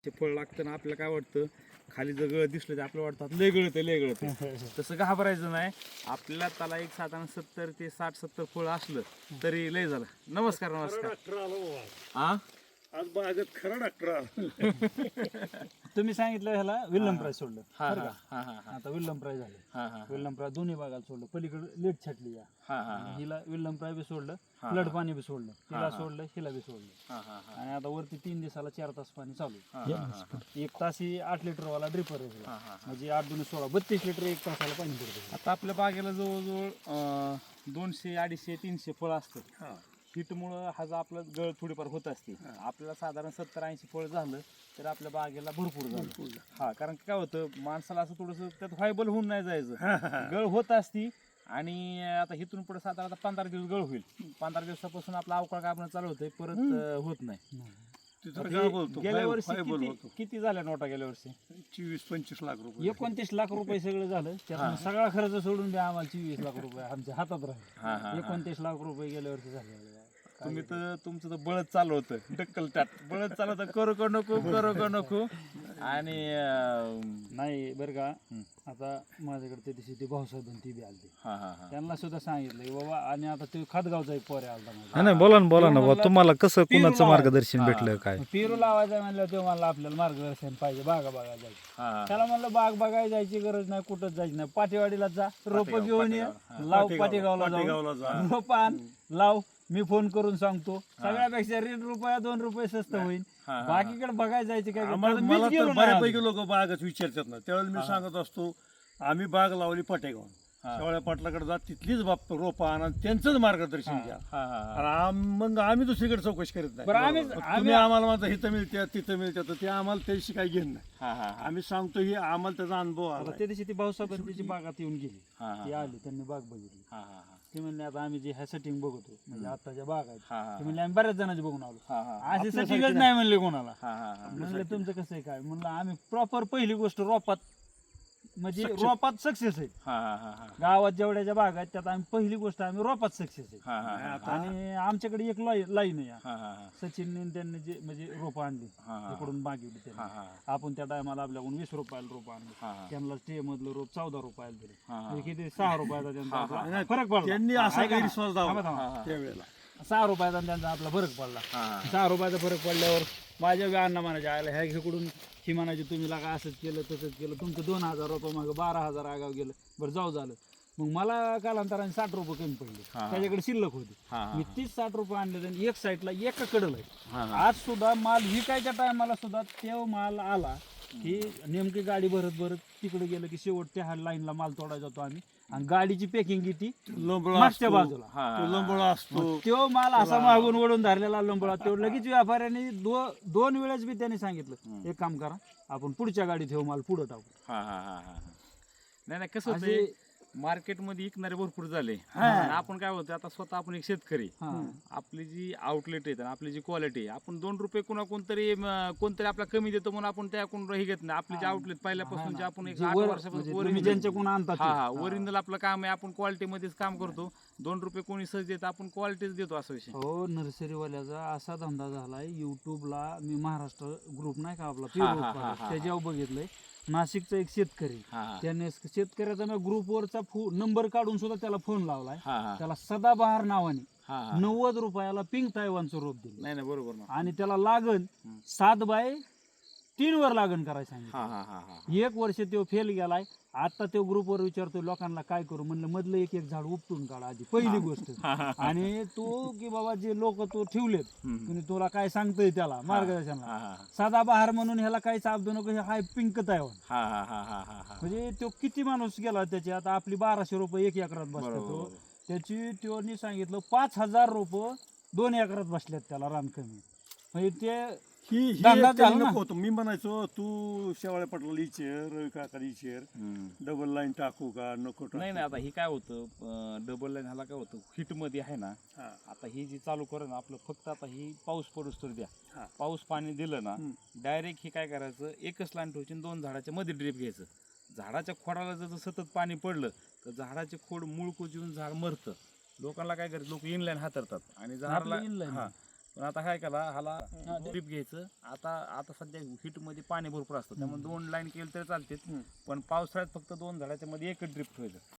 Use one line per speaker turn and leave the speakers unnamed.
ते फळ लागतं ना आपल्याला काय वाटतं खाली जर गळ दिसलं तर आपल्याला वाटतं लय गळत तसं घाबरायचं नाही. आपल्याला त्याला एक साधारण 70 ते 60-70 फळ असलं तरी लय झालं. नमस्कार. हा
आज बागेत खरा डॉक्टर
तुम्ही सांगितलं ह्याला विल्यम प्राइस सोडलं
हा
बरं का?
हा हा हा
आता विल्यम प्राइस झालं.
हा
विल्यम प्राइस दोन्ही भागाला सोडलं. पलीकडे लेट छाटली या
हा
हिला विल्यम प्राइस बी सोडलं, फ्लड पाणी बी सोडलं, हिला सोडलं, हिला बी सोडलं. आणि आता वरती 3 दिवसाला 4 तास पाणी चालू आहे. 1 तास ही 8 लिटर वाला ड्रिपर आहे. म्हणजे 8 दूनी 16 32 लिटर 1 तासाला पाणी पडतं.
आता आपल्या बागेला जवळजवळ 200, 250, 300 फळ असतात. हिटमुळं हा जो आपलं गळ थोडीफार होत असते. आपल्याला साधारण 70-80 फळ झालं तर आपल्या बागेला भरपूर झालं. हा कारण काय होतं माणसाला असं थोडंसं त्यात व्हायबल होऊन नाही जायचं. गळ होत असती आणि आता हिथून पुढे साधारण 15 दिवस गळ होईल. 15 दिवसापासून आपला अवकाळ कापणं चालू होतंय, परत होत नाही. गेल्या वर्षी किती झाल्या नोटा? गेल्या वर्षी
24-25 लाख रुपये
29 लाख रुपये सगळं झालं. त्यात सगळा खर्च सोडून द्या आम्हाला 24 लाख रुपये आमच्या हातात राहिले. 29 लाख रुपये गेल्या वर्षी झाले.
तुम्ही तर तुमचं तर बळद चालू होतं, डक्कल टाट बळद चालू होतं, करू का नको आणि
नाही बरं का. आता माझ्याकडे त्या दिवशी ते भाऊसाहेब ती बी आलते. त्यांना सुद्धा सांगितलं की बाबा, आणि आता ते खातगावचा एक पोरे आलता माझा.
नाही बोला ना तुम्हाला कसं कुणाचं मार्गदर्शन भेटलं काय?
पेरू लावायचं म्हणलं तेव्हा मला आपल्याला मार्गदर्शन पाहिजे. बागा बघायला जायचं. त्याला म्हणलं बाग बघायला जायची गरज नाही, कुठंच जायचं नाही. पाटेवाडीला जा, रोप घेऊन ये, लाव. पाटेगावला जाऊन रोप आण, लाव. मी फोन करून सांगतो. सगळ्यापेक्षा ₹1 2 रुपये स्वस्त होईल. बाकीकडे बघायला जायचे काय?
मला तर बऱ्यापैकी लोक बागच विचारतात ना, त्यावेळेला मी सांगत असतो आम्ही बाग लावली पाटेगाव, शेवळ्या पाटलाकडे जा, तिथलीच बाप रोपा आणा, त्यांचंच मार्गदर्शन घ्या. मग आम्ही दुसरीकडे चौकशी करत नाही. तुम्ही आम्हाला म्हणता इथं मिळत्या तिथं मिळत्या, तर ते आम्हाला त्याशी काही घेणं नाही. आम्ही सांगतो ही आम्हाला त्याचा अनुभव आला.
त्या दिवशी ती भाऊसाहेब त्याची बागात येऊन गेली. ती आली, त्यांनी बाग बघितली. ते म्हणले आता आम्ही जे ह्या सेटिंग बघतो म्हणजे आताच्या बाग आहेत, ते म्हणले आम्ही बऱ्याच जणांचे बघून आलो. असे सेटिंगच नाही म्हणले कोणाला. म्हणलं तुमचं कसं आहे काय? म्हणलं आम्ही प्रॉपर पहिली गोष्ट रोपात, म्हणजे रोपात सक्सेस आहे. गावात जेवढ्या बाग आहेत त्यात आम्ही पहिली गोष्ट आम्ही रोपात सक्सेस आहे. आणि आमच्याकडे एक लाईन आहे. सचिनने त्यांनी जे म्हणजे रोप आणली तिकडून मागितली त्यांनी. आपण त्या टायमाला आपल्याकडून 20 रुपयाला रोप आणलं. त्यांना स्टे मधलं रोप 14 रुपयाला दिले. म्हणजे किती 6 रुपयाचा त्यांचा फरक पडला.
त्यांनी असा गैरसमज दाखवला त्यावेळेला.
6 रुपयाचा त्यांचा आपला फरक पडला. 6 रुपयाचा फरक पडल्यावर माझ्या अण्णा म्हणायच्या आयला ह्या इकडून ही म्हणायची तुम्ही लागा असंच केलं तसंच केलं, तुमचं 2000 रुपये मागं 12,000 आगाव गेलं. बरं जाऊ झालं. मग मला कालांतराने 60 रुपये कमी पडले. त्याच्याकडे शिल्लक होती. मी 30-60 रुपये आणले आणि एक साईडला एका कडल आहे. आज सुद्धा माल विकायच्या टायमाला सुद्धा तेव्हा माल आला की नेमकी गाडी भरत तिकडे गेलं की शेवट त्या लाईनला माल तोडायला जातो आम्ही. आणि गाडीची पॅकिंग किती मागच्या बाजूला
लोंबळा असतो.
तो माल असा मागून ओढून धरलेला लोंबळा. तो लगेच व्यापाऱ्यांनी 2 वेळेस बी त्यांनी सांगितलं एक काम करा, आपण पुढच्या गाडीत ठेवू, माल पुढे टाकू.
नाही कसं होतंय मार्केटमध्ये विकणारे भरपूर झाले. आपण काय होतं आता स्वतः आपण एक शेतकरी, आपली जी आउटलेट आहे आपली जी क्वालिटी आहे, आपण 2 रुपये कोणतरी आपला कमी देतो म्हणून आपण त्याकडून हे घेत नाही. आपली जी आउटलेट पहिल्यापासून जे आपण 8 वर्षापासून
ज्यांच्याकडून आणतात
ओरिजिनल आपलं काम आहे, आपण क्वालिटीमध्येच काम करतो. 2 रुपये कोणी सहज देत, आपण क्वालिटीच देतो असा विषय.
हो, नर्सरीवाल्याचा असा धंदा झालाय. युट्यूबला मी महाराष्ट्र ग्रुप नाही का आपला, त्याच्यावर बघितलंय. नाशिकचा एक शेतकरी, त्याने शेतकऱ्याचा ग्रुपवरचा नंबर काढून सुद्धा त्याला फोन लावलाय. त्याला सदाबहार नावाने 90 रुपयाला पिंक तायवानचं रोप दिलं.
नाही बरोबर ना.
आणि त्याला लागण 7 बाय 3 वर लागण करायला सांगितलं. 1 वर्ष तो फेल गेलाय. आता तो ग्रुपवर विचारतोय लोकांना काय करू. म्हणलं मधलं एक झाड उपटून काढा आधी, पहिली गोष्ट. आणि तो की बाबा जे लोक तो ठेवलेत तुम्ही, तुला काय सांगतोय त्याला मार्गदर्शनाला, सदाबहार म्हणून ह्याला काही साबदू नको, हाय पिंक तायवान. म्हणजे तो किती माणूस गेला त्याची. आता आपली 1200 रुपये 1 एकरात बसतो. त्याची त्यांनी सांगितलं 5000 रुपये 2 एकरात बसल्यात त्याला रान कमी. म्हणजे ते
होतो. मी म्हणायचो तू शेवाळ्या पटला इचेर, रवी काका इचेर, डबल लाईन टाकू का नको टाकू.
नाही आता हे काय होतं डबल लाईन ह्याला काय होतं हिट मध्ये आहे ना. आता ही जी चालू करू ना आपलं, फक्त आता ही पाऊस पडूस तर द्या. पाऊस पाणी दिलं ना डायरेक्ट हे काय करायचं, एकच लाईन ठेवायची, 2 झाडाच्या मध्ये ड्रीप घ्यायचं. झाडाच्या खोडाला जर सतत पाणी पडलं तर झाडाचे खोड मूळ कुजून झाड मरतं. लोकांना काय करायचं, लोक इनलाईन हातरतात आणि झाडाला पण आता काय केला ह्याला ड्रीप घ्यायचं. आता सध्या हिट मध्ये पाणी भरपूर असतं त्यामुळे 2 लाईन केलं तरी चालते, पण पावसाळ्यात फक्त 2 झाडाच्या मध्ये एकच ड्रीप ठेवायचं.